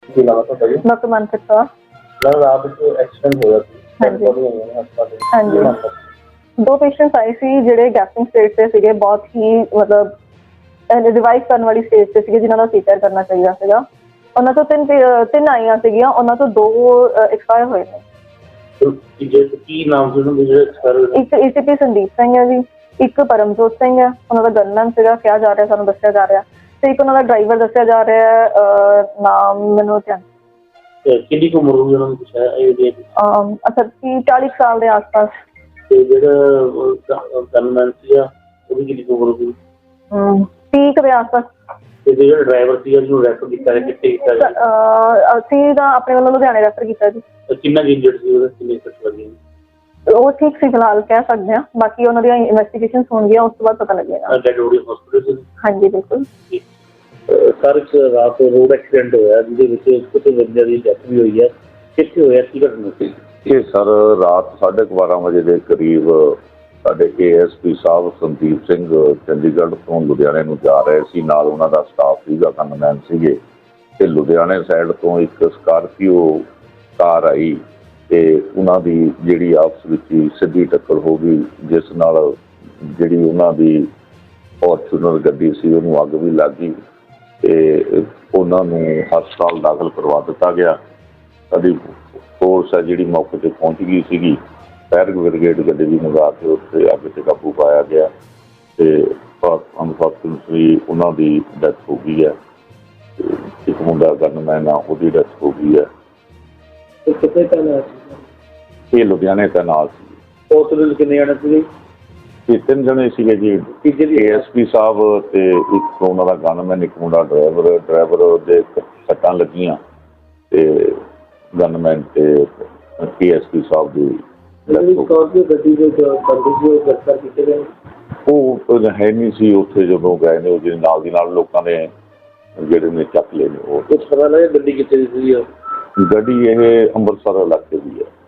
ਕੀ ਨਾਮ ਹੈ ਤੁਹਾਡਾ ਜੀ? ਡਾਕਟਰ ਮਨਪ੍ਰੀਤ ਕੌਰ। ਮੈਮ ਰਾਤ ਨੂੰ ਐਕਸੀਡੈਂਟ ਹੋਇਆ ਸੀ। ਹਾਂਜੀ। ਹਾਂਜੀ। ਦੋ ਪੇਸ਼ੈਂਟਸ ਆਏ ਸੀ ਜਿਹੜੇ ਗੈਸਟਿੰਗ ਸਟੇਜ ਤੇ ਸੀਗੇ, ਬਹੁਤ ਹੀ ਮਤਲਬ ਰਿਵਾਈਵ ਕਰਨ ਵਾਲੀ ਸਟੇਜ ਤੇ ਸੀਗੇ, ਜਿਨ੍ਹਾਂ ਦਾ ਸੀਪੀਆਰ ਕਰਨਾ ਚਾਹੀਦਾ ਸੀਗਾ। ਉਹਨਾਂ ਤੋਂ ਤਿੰਨ ਆਈਆਂ ਸੀਗੀਆਂ, ਉਹਨਾਂ ਤੋਂ ਦੋ ਐਕਸਪਾਇਰ ਹੋਏ ਨੇ। ਕੀ ਨਾਮ ਸੀ ਉਹਨਾਂ ਦੇ ਜਿਹੜੇ ਐਕਸਪਾਇਰ ਹੋਏ? ਇੱਕ ਏਸੀਪੀ ਸੰਦੀਪ ਸਿੰਘ ਹੈ ਜੀ, ਇੱਕ ਪਰਮਜੋਤ ਸਿੰਘ ਹੈ, ਉਹਨਾਂ ਦਾ ਗਨਮੈਨ ਸੀਗਾ, ਕਿਹਾ ਜਾ ਰਿਹਾ, ਸਾਨੂੰ ਦੱਸਿਆ ਜਾ ਰਿਹਾ, ਤੇ ਇੱਕ ਉਹਨਾਂ ਦਾ ਡਰਾਈਵਰ ਦੱਸਿਆ ਜਾ ਰਿਹਾ ਹੈ, ਨਾਮ ਮੈਨੂੰ ਧਿਆਨ। ਕਿੰਨੀ ਕੁ ਉਮਰ ਹੋਈ ਉਹਨਾਂ ਦੀ? ਕੁਛ ਹੈ ਅੱਛਾ 30-40 ਸਾਲ ਦੇ ਆਸ-ਪਾਸ। ਤੇ ਜਿਹੜਾ ਗਨਮੈਨ ਸੀਗਾ ਉਹਦੀ ਕਿੰਨੀ ਕੁ ਉਮਰ ਹੋਈ? 30 ਦੇ ਆਸ-ਪਾਸ। ਤੇ ਜਿਹੜਾ ਡਰਾਈਵਰ ਸੀਗਾ ਜਿਹਨੂੰ ਰੈਫਰ ਕੀਤਾ ਹੈ, ਕਿੱਥੇ ਕੀਤਾ ਜੀ? ਅਸੀਂ ਤਾਂ ਆਪਣੇ ਵੱਲੋਂ ਲੁਧਿਆਣੇ ਰੈਫਰ ਕੀਤਾ ਜੀ। ਕਿੰਨਾ ਇੰਜਰਡ ਸੀ ਉਹਦਾ? ਕਿੰਨੇ ਸੱਟ ਲੱਗੀ? ਉਹ ਠੀਕ ਸੀ ਫਿਲਹਾਲ, ਕਹਿ ਸਕਦੇ ਹਾਂ। ਬਾਕੀ ਉਹਨਾਂ ਦੀਆਂ ਇਨਵੈਸਟੀਗੇਸ਼ਨਸ ਹੋਣਗੀਆਂ, ਉਸ ਤੋਂ ਬਾਅਦ ਪਤਾ ਲੱਗੇਗਾ। Dead body hospital? ਹਾਂਜੀ ਬਿਲਕੁਲ। ਸਰ ਇੱਕ ਰਾਤ ਰੋਡ ਐਕਸੀਡੈਂਟ ਹੋਇਆ ਜਿਹਦੇ ਵਿੱਚ ਕੁਝ ਬੰਦਿਆਂ ਦੀ ਡੈਥ ਵੀ ਹੋਈ ਹੈ, ਕਿੱਥੇ ਹੋਇਆ, ਕੀ ਘਟਨਾ ਸੀ? ਇਹ ਸਰ ਰਾਤ 12:30 ਵਜੇ ਦੇ ਕਰੀਬ ਸਾਡੇ ASP ਸਾਹਿਬ ਸੰਦੀਪ ਸਿੰਘ ਚੰਡੀਗੜ੍ਹ ਤੋਂ ਲੁਧਿਆਣੇ ਨੂੰ ਜਾ ਰਹੇ ਸੀ, ਨਾਲ ਉਹਨਾਂ ਦਾ ਸਟਾਫ ਸੀਗਾ, ਗਨਮੈਨ ਸੀਗੇ। ਤੇ ਲੁਧਿਆਣੇ ਸਾਈਡ ਤੋਂ ਇੱਕ ਸਕਾਰਪੀਓ ਕਾਰ ਆਈ ਤੇ ਉਹਨਾਂ ਦੀ ਜਿਹੜੀ ਆਪਸ ਵਿੱਚ ਹੀ ਸਿੱਧੀ ਟੱਕਰ ਹੋ ਗਈ, ਜਿਸ ਨਾਲ ਜਿਹੜੀ ਉਹਨਾਂ ਦੀ ਫੋਰਚੂਨਰ ਗੱਡੀ ਸੀ ਉਹਨੂੰ ਅੱਗ ਵੀ ਲੱਗ ਗਈ ਤੇ ਉਹਨਾਂ ਨੂੰ ਹਸਪਤਾਲ ਦਾਖਲ ਕਰਵਾ ਦਿੱਤਾ ਗਿਆ। ਸਾਡੀ ਫੋਰਸ ਹੈ ਜਿਹੜੀ ਮੌਕੇ 'ਤੇ ਪਹੁੰਚ ਗਈ ਸੀਗੀ, ਫਾਇਰ ਬ੍ਰਿਗੇਡ ਗੱਡੀ ਵੀ ਮੰਗਾ ਕੇ ਉੱਥੇ ਅੱਗ 'ਤੇ ਕਾਬੂ ਪਾਇਆ ਗਿਆ ਤੇ ਅਨਫੋਰਚੂਨਟਲੀ ਉਹਨਾਂ ਦੀ ਡੈਥ ਹੋ ਗਈ ਹੈ। ਇੱਕ ਮੁੰਡਾ ਗਨਮੈਨ ਆ, ਉਹਦੀ ਡੈਥ ਹੋ ਗਈ ਹੈ। ਕਿੱਥੇ ਤੈਨਾਤ ਸੀ? ਇਹ ਲੁਧਿਆਣੇ ਤੈਨਾਤ ਸੀ। ਹਸਪਤਾਲ ਕਿੰਨੇ ਜਾਣੇ ਸੀਗੇ? ਇਹ 3 ਜਣੇ ਸੀਗੇ ਜੀ, ASP ਸਾਹਿਬ ਤੇ ਇੱਕ ਉਹਨਾਂ ਦਾ ਗਨਮੈਨ, ਇੱਕ ਮੁੰਡਾ ਡਰਾਈਵਰ ਦੇ ਸੱਟਾਂ ਲੱਗੀਆਂ ਤੇ ਗਨਮੈਨ ਤੇ ASP ਸਾਹਿਬ ਦੀ ਗੱਡੀ ਦੇ ਗ੍ਰਿਫਤਾਰ ਕੀਤੇ ਗਏ। ਉਹ ਹੈ ਨਹੀਂ ਸੀ ਉੱਥੇ ਜਦੋਂ ਗਏ ਨੇ, ਉਹਦੇ ਨਾਲ ਦੀ ਨਾਲ ਲੋਕਾਂ ਨੇ ਜਿਹੜੇ ਨੇ ਚੱਕ ਲਏ ਨੇ। ਉਹ ਕੁਛ ਪਤਾ ਲੱਗਿਆ ਗੱਡੀ ਕਿੱਥੇ ਦੀ ਸੀ? ਗੱਡੀ ਇਹ ਅੰਮ੍ਰਿਤਸਰ ਇਲਾਕੇ ਦੀ ਹੈ।